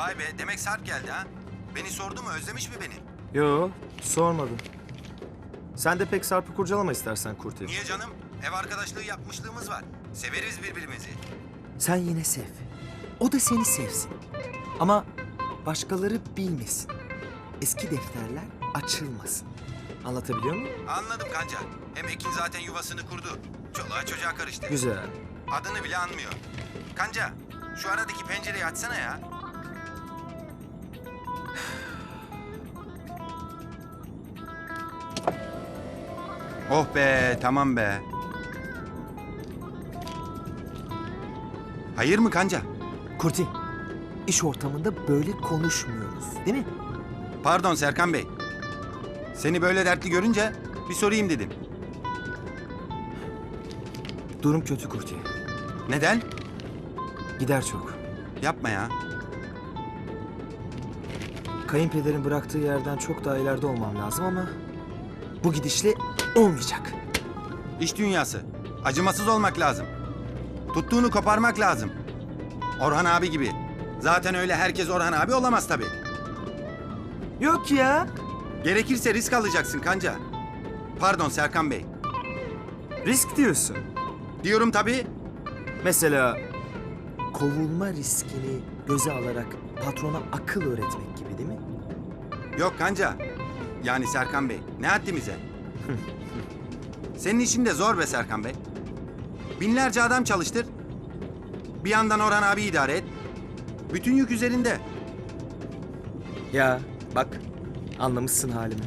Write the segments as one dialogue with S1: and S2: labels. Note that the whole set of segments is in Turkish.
S1: Vay be, demek Sarp geldi ha. Beni sordu mu, özlemiş mi beni?
S2: Yo, sormadım. Sen de pek Sarp'ı kurcalama istersen Kurti.
S1: Niye canım? Ev arkadaşlığı yapmışlığımız var. Severiz birbirimizi.
S3: Sen yine sev. O da seni sevsin. Ama başkaları bilmesin. Eski defterler açılmasın. Anlatabiliyor muyum?
S1: Anladım kanca. Hem Ekin zaten yuvasını kurdu. Çoluğa çocuğa karıştı.
S2: Güzel.
S1: Adını bile anmıyor. Kanca, şu aradaki pencereyi açsana ya. Oh be, tamam be. Hayır mı kanca?
S3: Kurti, iş ortamında böyle konuşmuyoruz, değil mi?
S1: Pardon Serkan Bey. Seni böyle dertli görünce bir sorayım dedim.
S3: Durum kötü Kurti.
S1: Neden?
S3: Gider çok.
S1: Yapma ya.
S3: Kayınpederin bıraktığı yerden çok daha ileride olmam lazım ama bu gidişle olmayacak.
S1: İş dünyası. Acımasız olmak lazım. Tuttuğunu koparmak lazım. Orhan abi gibi. Zaten öyle herkes Orhan abi olamaz tabii.
S3: Yok ya.
S1: Gerekirse risk alacaksın kanca. Pardon Serkan Bey.
S2: Risk diyorsun.
S1: Diyorum tabii.
S3: Mesela kovulma riskini göze alarak patrona akıl öğretmek gibi değil mi?
S1: Yok kanca. Yani Serkan Bey. Ne haddimize? Senin işin de zor be Serkan Bey. Binlerce adam çalıştır. Bir yandan Orhan abi idare et. Bütün yük üzerinde.
S3: Ya bak anlamışsın halimi.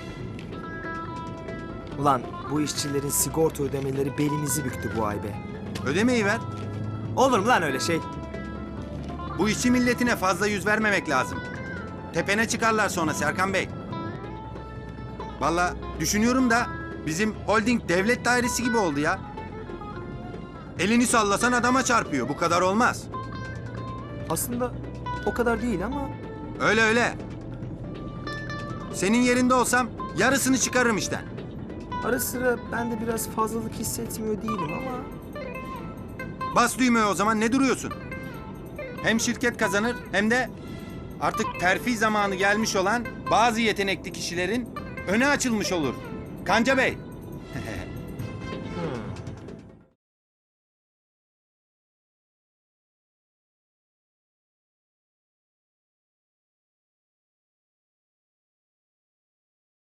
S3: Ulan bu işçilerin sigorta ödemeleri belimizi büktü bu ay be.
S1: Ödemeyi ver.
S3: Olur mu lan öyle şey?
S1: Bu işçi milletine fazla yüz vermemek lazım. Tepene çıkarlar sonra Serkan Bey. Vallahi düşünüyorum da bizim holding devlet dairesi gibi oldu ya. Elini sallasan adama çarpıyor. Bu kadar olmaz.
S3: Aslında o kadar değil ama
S1: Öyle öyle. Senin yerinde olsam yarısını çıkarırım işten.
S3: ara sıra ben de biraz fazlalık hissetmiyor değilim ama
S1: Bas düğmeye o zaman, ne duruyorsun? Hem şirket kazanır hem de artık terfi zamanı gelmiş olan bazı yetenekli kişilerin önü açılmış olur. Kanca Bey.